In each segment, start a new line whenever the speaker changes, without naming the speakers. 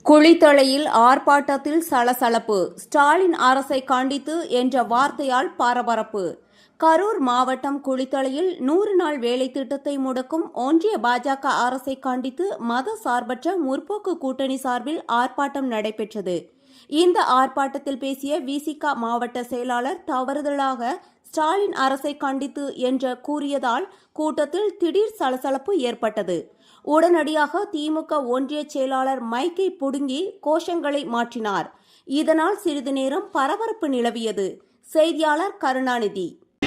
குளித்தலையில் ஆர்ப்பாட்டத்தில் சலசலப்பு. ஸ்டாலின் அரசை கண்டித்து என்ற வார்த்தையால் பரபரப்பு. கரூர் மாவட்டம் குளித்தலையில் 100 நாள் வேலை திட்டத்தை முடக்கும் ஒன்றிய பாஜக அரசை கண்டித்து மத சார்பற்ற முற்போக்கு கூட்டணி சார்பில் ஆர்ப்பாட்டம் நடைபெற்றது. இந்த ஆர்ப்பாட்டத்தில் பேசிய விசிக மாவட்ட செயலாளர் தவறுதலாக ஸ்டாலின் அரசை கண்டித்து என்று கூறியதால் கூட்டத்தில் திடீர் சலசலப்பு ஏற்பட்டது. உடனடியாக திமுக ஒன்றிய செயலாளர் மைக்கை புடுங்கி கோஷங்களை மாற்றினார். இதனால் சிறிது நேரம் பரபரப்பு நிலவியது. செய்தியாளர் கருணாநிதி.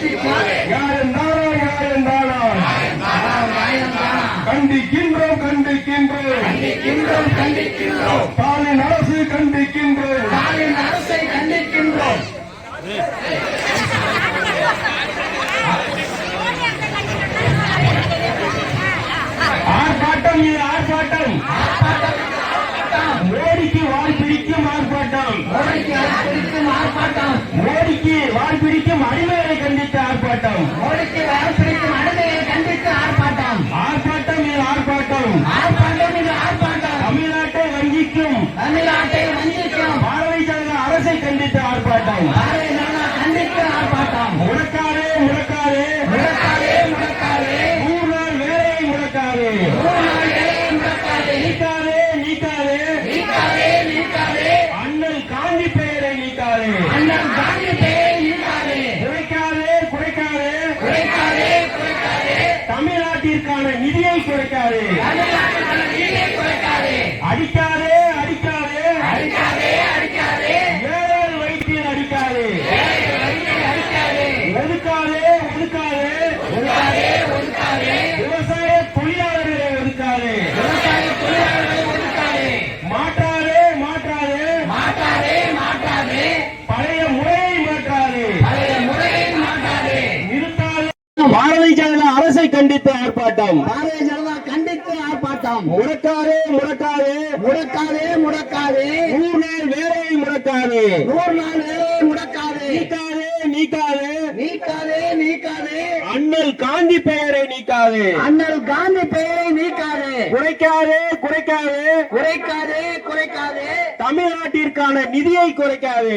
கண்டிக்கின்றோம் கண்டிக்கின்றோம் ஸ்டாலின் அரசு கண்டிக்கின்றோம் அரசை கண்டிக்கின்றோம். ஆர்ப்பாட்டம் இது ஆர்ப்பாட்டம். மோடிக்கு வால் பிடிக்கும் ஆர்ப்பாட்டம். மோடிக்கு வால் பிடிக்கும் அடிமையை கண்டித்து ஆர்ப்பாட்டம். ஆர்ப்பாட்டம் இது ஆர்ப்பாட்டம். தமிழ்நாட்டை வஞ்சிக்கும் பாரதிய ஜனதா அரசை கண்டித்து ஆர்ப்பாட்டம். முடக்காதே முடக்காதே முடக்காதே 100 நாள் வேலையை முடக்காதே நீக்காதே அண்ணல் காந்தி பெயரை நீக்காதே குறைக்காதே தமிழ்நாட்டிற்கான நிதியை குறைக்காதே அடிக்காதே ஏழை வயிற்றில் அடிக்காதே ஒதுக்காதே விவசாய தொழிலாளர்களை ஒதுக்காதே மாற்றாதே பழைய முறையை மாற்றாதே நிறுத்தாதே. பாரதிய ஜனதா அரசை கண்டித்து ஆர்ப்பாட்டம். முடக்காதே 100 நாள் வேலையை முடக்காதே நீக்காதே அண்ணல் காந்தி பெயரை நீக்காதே குறைக்காதே தமிழ்நாட்டிற்கான நிதியை குறைக்காதே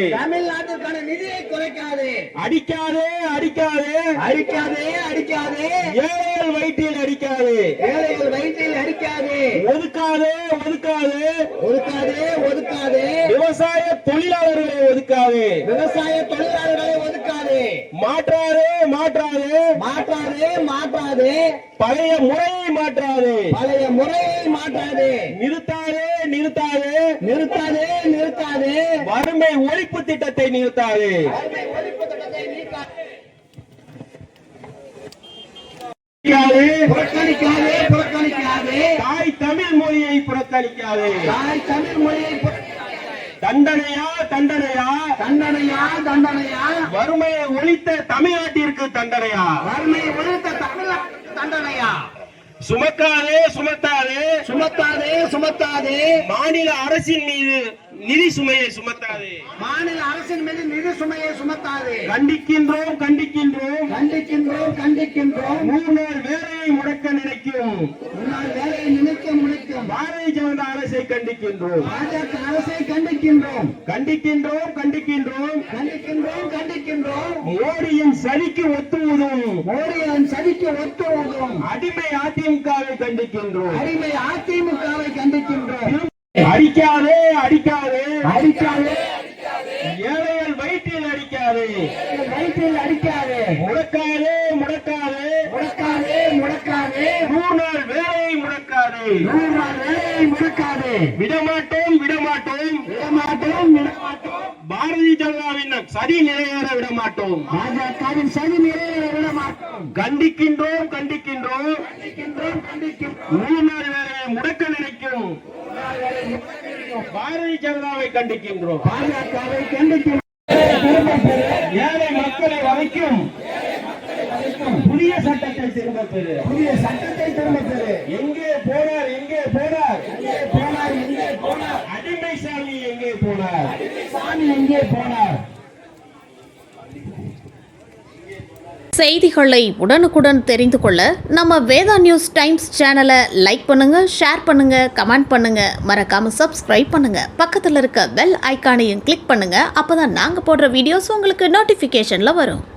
அடிக்காதே ஏழைகள் வயிற்றில் அடிக்காதே ஒதுக்காதே விவசாய தொழிலாளர்களை ஒதுக்காதே மாற்றாதே பழைய முறையை மாற்றாதே நிறுத்தாதே வறுமை ஒழிப்பு திட்டத்தை நிறுத்தாதே தாய் தமிழ் மொழியை புறக்கணிக்காதே தண்டனையா வறுமையை ஒழித்த தமிழ்நாட்டிற்கு தண்டனையா சுமத்தாதே மாநில அரசின் மீது நிதி சுமையை சுமத்தாதே கண்டிக்கின்றோம் 100 நாள் வேலையை முடக்க நினைக்கும் பாரதிய ஜனதா அரசை கண்டிக்கின்றோம் மோடியின் சதிக்கு ஒத்துவதும் அடிமை அதிமுகவை கண்டிக்கின்றோம் அடிக்காதே ஏழைகள் வயிற்றில் அடிக்காதே முடக்காதே 100 நாள் வேலையை முடக்காதே விடமாட்டோம் பாரதிய ஜனதாவின் சதி நிறைவேற விடமாட்டோம் கண்டிக்கின்றோம் 100 நாள் வேலையை முடக்க நினைக்கும் பாரதிய ஜனதாவை கண்டிக்கின்றோம் ஏழை மக்களை வதைக்கும் புதிய சட்டத்தை திரும்ப பெறு எங்கே போனார் அடிமை சாமி எங்கே போனார்
செய்திகளை உடனுக்குடன் தெரிந்து கொள்ள நம்ம வேதா நியூஸ் டைம்ஸ் சேனலை லைக் பண்ணுங்க, ஷேர் பண்ணுங்க, கமெண்ட் பண்ணுங்க, மறக்காம சப்ஸ்கிரைப் பண்ணுங்க. பக்கத்தில் இருக்க பெல் ஐகானையும் கிளிக் பண்ணுங்க. அப்பதான் நாங்க போடுற வீடியோஸ் உங்களுக்கு நோட்டிபிகேஷன்ல வரும்.